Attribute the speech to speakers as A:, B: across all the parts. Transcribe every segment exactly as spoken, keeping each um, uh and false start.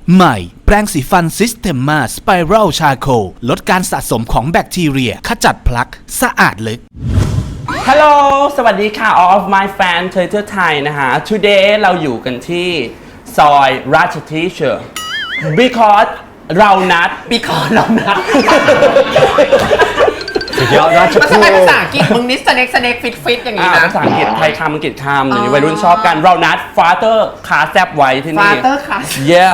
A: ใหม่แปรงสีฟันซิสเ e มมาสไปรัลชาโคลลดการสะสมของแบคทีเรียขจัดพลักสะอาดลึก
B: ฮัลโหลสวัสดีค่ะ all of my fan เทเทอร์ไทยนะฮะ today เราอยู่กันที่ซอยราชทีเชอร์ because เรานัด because เรานัด
C: สุดยอดราช
D: มัน
C: พู
D: ทำไมภาษาอังกฤษมึงนิสเน็กสเน็กฟิตฟิตอย่างนี้
B: อ่า
D: นะ
B: ภาษาอังกฤษไทยคำอังกฤษคำเดี๋ยวนี้วัยรุ่นชอบกัน เรานัด father ขาแซบไว้ที่นี่
D: Father ขา
B: yeah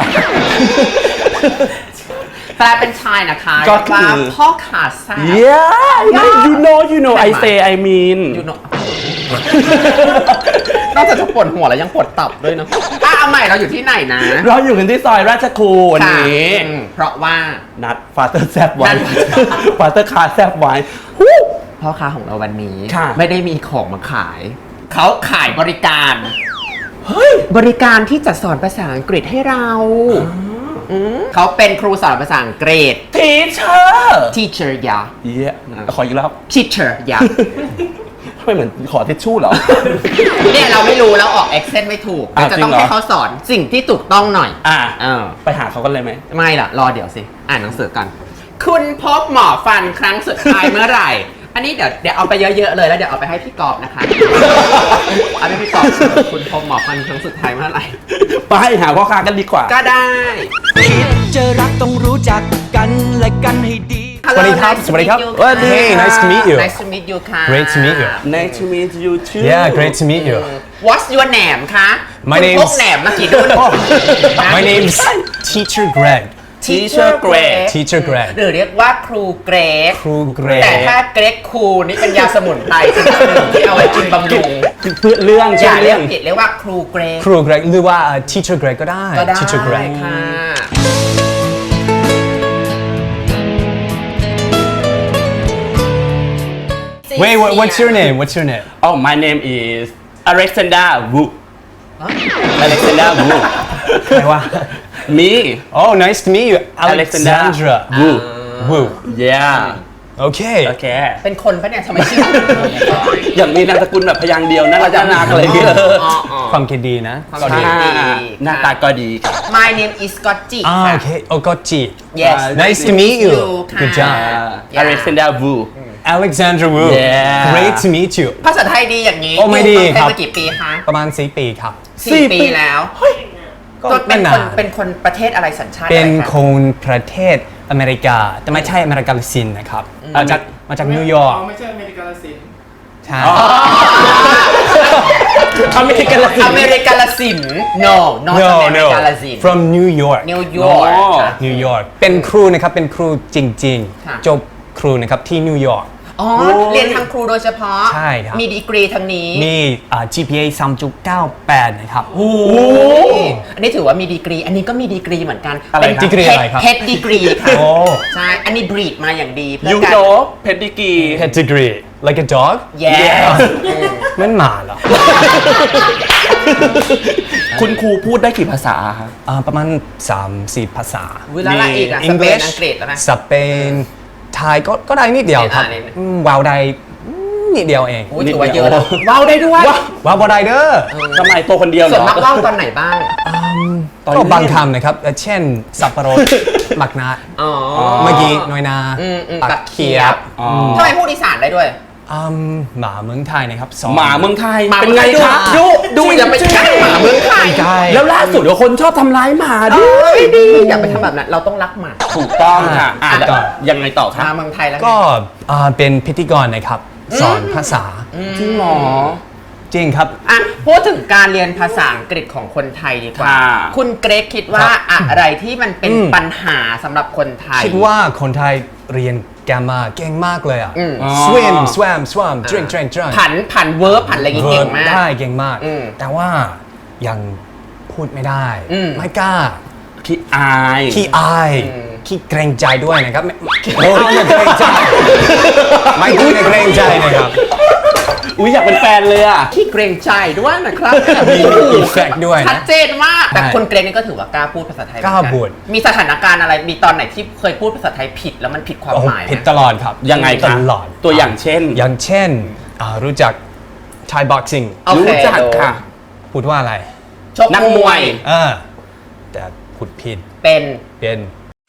D: แปลเป็นชายนะคะ
B: ก็คือ
D: ว่าพ่อขาแซ่บ
B: yeah you know you know I say I mean
D: อยู่เนอะนอกจากจะปวดหัวแล้วยังปวดตับด้วยเนอะอ่ะเอาใหม่เราอยู่ที่ไหนนะ
B: เราอยู่กันที่ซอยราชครูวันนี้
D: ค่ะอืมเพราะว่า
B: นัด father แซบไว้
D: นัด
B: father ขาแซบไว้
D: พ่อค้าของเราวันนี้
B: ค่ะ
D: ไม่ได้มีของมาขาย เขาขายบริการเฮ้ยบริการที่จะสอนภาษาอังกฤษให้เราอืมเขาเป็นครูสอนภาษาอังกฤษ
B: teacher
D: teacher ยา
B: เย้ขออีกรอบ
D: teacher ยา
B: ทำไมเหมือนขอทิชชู่เหรอ
D: เนี่ยเราไม่รู้แล้วออก accent ไม่ถูก
B: อ่ะ
D: เราจะต้อง
B: จริงเหรอ
D: ให้เขาสอนสิ่งที่ถูกต้องหน่อย
B: อ่ะ
D: เออ
B: ไปหาเขากันเลยไหม
D: ไม่ล่ะ รอเดี๋ยวสิ อ่านหนังสือกัน คุณพบหมอฟันครั้งสุดท้ายเมื่อไหร่ อันนี้เดี๋ยวเดี๋ยวเอาไปเยอะๆเลยแล้วเดี๋ยวเอาไปให้พี่กอบนะคะ เอาไปให้พี่กอบคุณพบหมอฟันครั้งสุดท้ายเมื่อไหร่
B: ไปหาพ่อค้ากันดีกว่า
D: ก็ได้
E: เจอรักต้องรู้จักกันและกันให้ดี
D: Hello,
C: สวัสดีครับ
D: nice to
C: สวัสดีครับ
D: meet you
C: Hey, nice to meet you.
D: Nice to meet you ค่ะ
C: Great to meet you.
B: Nice to meet you too
C: Yeah, great to meet you.
D: What's your name คะ
C: My
D: คุณ
C: name's-
D: พกแหนมมากี่ดุน
C: My name's Teacher Greg.
B: Teacher Greg
C: Teacher Greg.
D: หรือเรียกว่าครูเกรก
C: ครูเกรก
D: แต่ถ้าเกรกคูนี่เป็นยาสมุนไพรชนิดหนึ่งที่เอาไว้กินบำรุง
B: เพื่อเรื่อง
D: อ
B: ใช่
D: ย่าเรี
B: เรื่
D: ย
B: อก ง
D: ผิดเรียกว่าครูเกรก
C: ครูเกรกหรือว่า Teacher Greg ก็ได้
D: ก็ได้
C: Teacher Greg
D: ค่ะ
C: Wait, what, what's your name? What's your name?
B: Oh my name is Alexander Wu Alexander Wu
C: ใครวะ
B: me
C: Oh, nice to meet you.
B: Alexander
C: Alexandra
B: Wu
C: Wu.
B: yeah
C: Okay.
B: โอเค
D: เป็นคนปะเนี่ยทำไมชื่อ
B: อย่างมีนามสกุลแบบพยางค์เดียวน่ารักน่ารักอะไรอย่างเงี้ย
D: อ๋ออ๋อ
C: ความคิดดีนะ
D: ความ
B: ใช่
D: คิดดี
B: หน้าตาก็ดีครับ
D: My name is Scotty
C: อ่า
D: ค่ะ
C: โอเคโอก็จี
D: Yes
C: Nice to meet you.
D: you ค่ะ
C: Good job.
D: Yeah.
B: Alexander Wu
C: Alexandra Wu.
B: Yeah.
C: Great to meet you.
D: ภาษาไทยดีอย่างนี้
C: โอ้ไม่ดี
D: อยู่เมืองไทย
C: ครับ
D: มากี่ปีคะ
C: ประมาณสี่ปีครับ
D: สี่ปีแล้ว
C: ก็
D: ก็เป็
C: ไม่
D: น
C: นา
D: คน
C: น
D: เป็นคนประเทศอะไรสัญชาติ
C: เป็น
D: อะไร
C: ค
D: คะ
C: นประเทศอเมริกา แต่ไม่ใช่อเมริกาลาตินนะครับมาจากมาจากนิวยอร์ก
F: ไม่ใช่อเมริกาลาสิน
C: ใช่
B: อเมริกันละสิ
D: อเมริกาลาสิน no not
C: no
D: อเมริ
C: no
D: กาลาสิน
C: from New York
D: นิวยอร์ก
B: อ๋อ
D: ค่ะ
C: นิวยอร์กเป็นครูนะครับเป็นครูจริง
D: ค่ะ
C: ๆ จบครูนะครับที่นิวยอร์ก
D: อ๋อ เรียนทางครูโดยเฉพาะ
C: ใช่ครับ
D: มีดีกรีทางนี้
C: มีอ่า จี พี เอ สามจุดเก้าแปดนะครับ
D: โอ้อันนี้ถือว่ามีดีกรี อันนี้ก็มีดีกรีเหมือนกัน
B: อะไร
D: เป็น
B: ครับ
C: ดีกรีอะไรครับ
D: เพชรดีกรีค่ะ
C: โอ้
D: ใช่ อันนี้บรีดมาอย่างดีเพื่
B: ยู
D: อการ
B: โนเพดดิกี
C: pedigree like a dog
D: yes
C: มันหมาเหรอ
B: คุณครูพูดได้กี่ภาษาครับ
C: อ่าประมาณสามสี่ภาษา
D: เวลาละอีกอะสเปนอังกฤษแล้วนะ
C: สเปนไทยก็ก็ได้นิดเดียวครับ
D: อ่านิดนึง
C: อืมว้าวได้อืมนิดเดียวเอง
D: โอ้ยถือว่าเยอะแล้วว้าวได้ด้วย
C: ว้าวบ่ได้เด้อ
B: ทำไมตัวคนเดียวเหร
D: ส่วน
B: อ
D: มากว้าวตอนไหนบ้าง
B: ตอน
C: ก็
B: นี้
C: บางคำนะครับเอ่อเช่น สับปะรด หมักนัด
D: อ๋อ
C: เมื่อกี้น้อยนา
D: อืมอืม
C: ปั
D: ปั
C: ก
D: ก
C: เขี
D: เขี
C: ย
D: ย
C: บบ
B: อ๋อ
D: ทำไมพูดอีสานได้ด้วย
C: อืมหมาเมืองไทยนะครับสอง
B: หมาเมืองไทย
D: หมา
B: เป็นไงครับ
D: เมื
B: ดู
D: องไทย
B: ดู
D: จริงอย่าไปใกล้หมาเมืองไทย
C: ใกล้
B: แล้วล่าสุดเดี๋ยวคนชอบทำร้ายหมาด้
D: เอ้
B: วย
D: ยดีอย่าไปทำแบบนั้นเราต้องรักหมา
B: ถูกต้องค่ะอ่ะ
C: ถูกต้อง
B: ยังไงต่อค
D: มา
B: รับ
D: เมืองไทยแล้วไง
C: ก็อ่าเป็นพิธีกรนะครับ สอนภาษา
B: จริงเหรอ
C: จริงครับ
D: อ่ะพูดถึงการเรียนภาษาอังกฤษของคนไทยดีกว่า
B: ค่ะ
D: คุณเกรกคิดว่าอะไรที่มันเป็น
C: อืม
D: ปัญหาสำหรับคนไทย
C: คิดว่าคนไทยเรียนแกรมมาเก่งมากเลยอ่ะ
D: อืม
C: swim swam swam drink drink drink
D: ผันผันเวิร์บผันอะไรอย่างงี้เก่งมาก
C: ได้เก่งมาก
D: อืม
C: แต่ว่ายังพูดไม่ได้
D: อืม
C: ไม่กล้า
B: ขี้อาย
C: ขี้อาย
D: อืม
C: ขี้เกรงใจด้วยนะครับไม่โอ้ยไม่เกรงใจไม่ต้องเกรงใจนะครับ
B: อุ้ยอยากเป็นแฟนเลยอ่ะ
D: ขี้เกรงใจด้วยนะครับ
C: มีอีเฟกต์ด้วย
D: ชัด
C: นะ
D: เจนมาก แต่
C: ใช่
D: คนเกรกนี่ก็ถือว่ากล้าพูดภาษาไทยเหมือน
C: กล้าพูด
D: มีสถานการณ์อะไรมีตอนไหนที่เคยพูดภาษาไทยผิดแล้วมันผิดความ
C: โอ้
D: หมายไหม
C: ผิดตลอดครับ
B: ยังไง
C: ต
B: คะ
C: ลอด
B: ตัวอย่างเช่น
C: อย่างเช่นอ่ารู้จัก Thai boxing
D: โอเค
B: รู้จักค่ะ
C: พูดว่าอะไร
D: ชก
B: นักมวย
C: เออแต่พูดผิด
D: เป็น
C: เป็น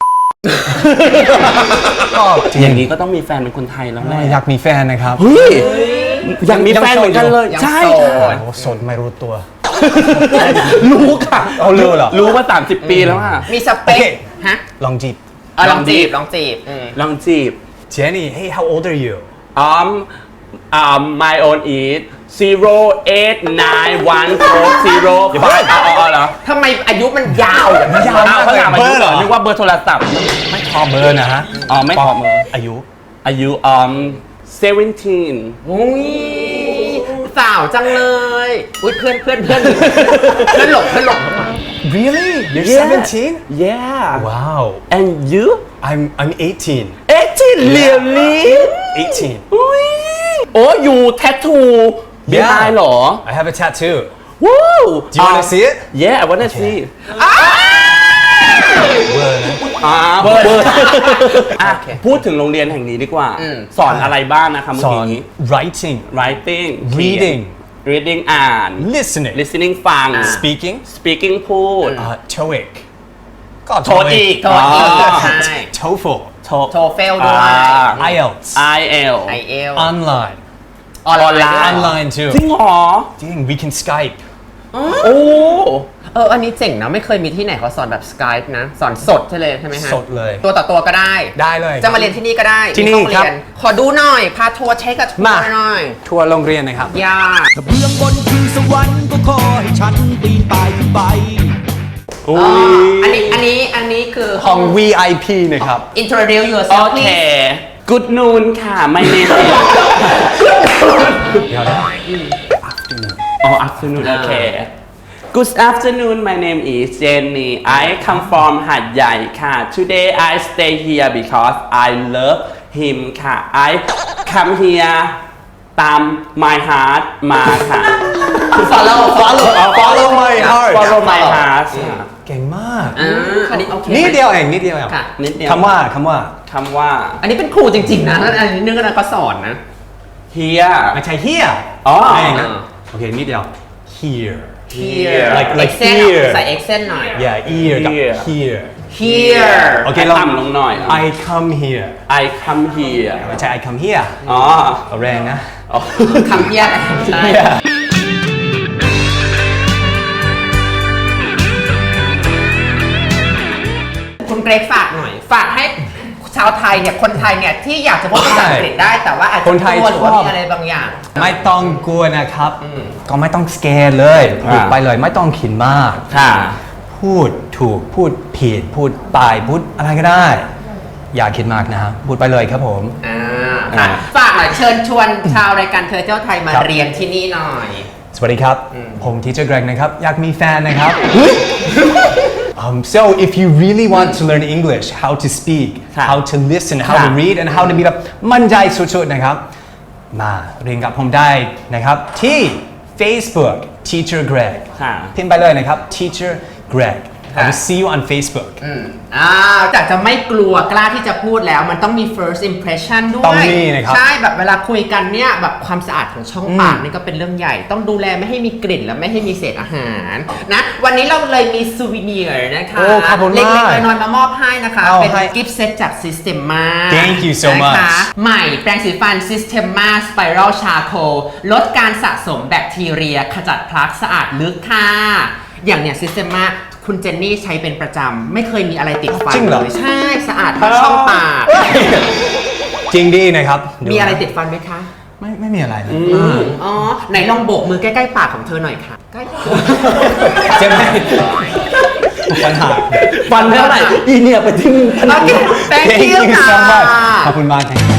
C: ก็
B: อย่างนี้ก็ต้องมีแฟนเป็นคนไทยแล้วแหละ
C: อยากมีแฟนนะครับ
B: เฮ้ยอยากมีแฟนเหมือนกันเลย
D: ยัง
B: ใช่
D: โส
B: ค่ะ
D: ด
C: โอ้สดไม่รู้ตัว
B: รู้ค่ะ
C: เอารู้เหรอ
B: รู้มาสามสิบปีแล้วค่ะ
D: มีสเป
C: โอ
D: ค
C: เค
D: ฮะ
C: ลองจีบ
D: เอาลองจีบลองจีบอืม
B: ลองจีบ
C: Jenny hey how old are you
B: um um my own is zero eight nine one four zero five อ๋ออ๋อเหรอ
D: ทำไมอายุมันยาวอย่างนี้
C: ยาวมาก
B: เขาถามอายุเหรอ
C: เบอร์เหรอ
B: นึกว่าเบอร์โทรศัพท์
C: ไม่ขอเบอร์นะฮะ
B: อ๋อไม่ขอเบอร์
C: อายุ
B: อายุ um seventeen
D: อุ้ยสาวจังเลยอุ้ยเพื่อนเพื่อนเพื่อนเพื่อนหลงเพื่อนหลง
C: really you're
B: Yeah.
C: seventeen
B: yeah
C: wow
B: and you
C: I'm I'm eighteen
B: eighteen really
C: eighteen
B: อุ้ยโอ้ยูแทททูเบียร์เหรอ
C: I have a tattoo
B: ว้าว
C: do you wanna see it
B: yeah I wanna see
C: เบอร์นะ
B: อ่าเบอร์อ่ะพูดถึงโรงเรียนแห่งนี้ดีกว่า
D: อืม
B: สอนอะไรบ้างนะคะเมื่
C: ส
B: อ
C: อน
B: กี้
C: writing
B: writing เขียน
C: reading
B: reading อ่าน
C: listening
B: listening ฟัง
C: speaking
B: speaking พูด
C: uh, TOEIC ก็
B: โทษอีก
D: โทษอีก
B: อ๋อ
D: ใช่
C: TOEFL
B: โท
D: โทเฟลด้วย
B: อ่า
C: ไอ เอล ที เอส
B: ไอ เอล
D: ไอเอล
C: online
D: ออนไลน์
C: online too
B: จริงเหรอ
C: จริง we can Skype
B: โอ้
D: เออ อันนี้เจ๋งนะ ไม่เคยมีที่ไหนเขาสอนแบบ Skype นะ สอนสดใช่เลยใช่ไหมฮะ
C: สดเลย
D: ตัวต่อตัวก็ได้
C: ได้เลย
D: จะมาเรียนที่นี่ก็ได้
C: ที่นี่
D: ไม่ต้อง
C: ครับ
D: เยขอดูหน่อย พาทัวร์เช็คกับทัว
C: มา
D: ร์หน่อย
C: ทัวร์โรงเรียนนะครับ
D: ยาก
E: ถ้าเบื้องบนคือสวรรค์ก็ขอให้ฉันปีนป่ายขึ้นไป
B: โอ้
D: อ๋อย อันนี้ อันนี้ อันนี้คือ
C: ห้อง วี ไอ พี นะครับ
D: introduce
B: โอ
D: yourself
B: เค
D: please
B: Good noon ค่ะ my name is
C: เดี๋ยวนะ
B: อ๋อ afternoon โอเค Good afternoon my name is Jenny I come from หาดใหญ่ค่ะ Today I stay here because I love him ค่ะ I come here ตาม my heart มาค่ะ
D: follow follow
C: Follow my heart
B: Follow my heart ค่ะ
C: เก่งมาก
D: อ่าอันนี้โอเค
C: นิดเดียวเองนิดเดียวเอง
D: ค่ะ
B: นิดเดียว
C: คำว่าคำว่า
B: คำว่า
D: อันนี้เป็นครูจริงๆนะแล้วอันนี้นึกว่าเขาสอนนะ
B: here
C: ไม่ใช่ here
B: อ๋อ
C: ไม่เองนะโอเคนิดเดียว here
B: here
C: like like
D: accent
C: here
D: ใส่ accent หน่อย
C: yeah ear กับ
B: Here
C: here
D: here
C: โอเค
B: ให้
C: ลอง
B: ต่ำลงหน่อย
C: I come here
B: I come here
C: ไม่ใช่ I come here
B: อ๋อ
C: เอาแรงนะ
B: อ๋อ
D: คำเพี้ยนใช่ คุณเกรกฝากหน่อย ฝากให้ชาวไทยเนี่ย คนไทยเนี่ย ที่อยากจะพูดภาษาอังกฤษได้ แต่ว่าอาจจะ
C: คนไทย
D: กลัวหรือว่า
C: ชอบ
D: มีอะไรบางอย่าง
C: ไม่ต้องกลัวนะครับ ก็ไม่ต้องสแกนเลย
B: ครับ
C: พูดไปเลยไม่ต้องคิดมาก
B: ค่ะ
C: พูดถูกพูดผิดพูดตายพูดอะไรก็ได้ อย่าคิดมากนะฮะพูดไปเลยครับผม
D: อ่าค่ะ ฝากหน่อยเชิญชวนชาวรายการเธอเจ้าไทยมา
C: ครับ
D: เรียนที่นี่หน่อย
C: สวัสดีครับ ผมทีเจอร์เกรกนะครับ อยากมีแฟนนะครับ um, so if you really want to learn English how to speak
B: ครับ
C: how to listen how to
B: ครับ
C: read and how to be แบบมั่นใจสุดๆนะครับ มาเรียนกับผมได้นะครับที่ Facebook Teacher Greg
B: ค่ะ
C: พิมพ์ไปเลยนะครับ Teacher Greg I will see you on Facebook
D: อืมอ่าจากจะไม่กลัวกล้าที่จะพูดแล้ว มันต้องมี first impression ด้วย
C: ต้องมีนะครับ
D: ใช่แบบเวลาคุยกันเนี่ยแบบความสะอาดของช่องปากนี่ก็เป็นเรื่องใหญ่ ต้องดูแลไม่ให้มีกลิ่นและไม่ให้มีเศษอาหารนะวันนี้เราเลยมีซูวิเนียร์นะคะ
C: โอ้ขอบคุณมาก
D: เล็กๆน้อยๆมามอบให้นะคะ
C: เอา
D: เป็น
C: ให้
D: กิฟต์เซตจาก Systema
C: Thank you so
D: นะคะ
C: much
D: ใหม่แปรงสีฟัน Systema Spiral Charcoal ลดการสะสมแบคทีเรีย ขจัดพลักสะอาดลึกค่ะ อย่างเนี่ย Systema คุณเจนนี่ใช้เป็นประจำ ไม่เคยมีอะไรติดฟัน
C: จริงเหรอ
D: เลยใช่สะอาดทั้งช่องปาก
C: จริงดีนะครับดู
D: มีอะไรติดฟันไหมคะ
C: ไม่ไม่มีอะไรนะ
D: อ๋อ ไหนลองโบกมือใกล้ๆปากของเธอหน่อยค่ะใกล้
C: ใช่ไหมปัญหา
B: ฟันเท่าไหร่อีเนี่ยไปทิ้งพนั
D: โอก เค thank
C: Thank
D: you
C: you
D: ค่ะ
C: so much ขอบคุณมาก Thank you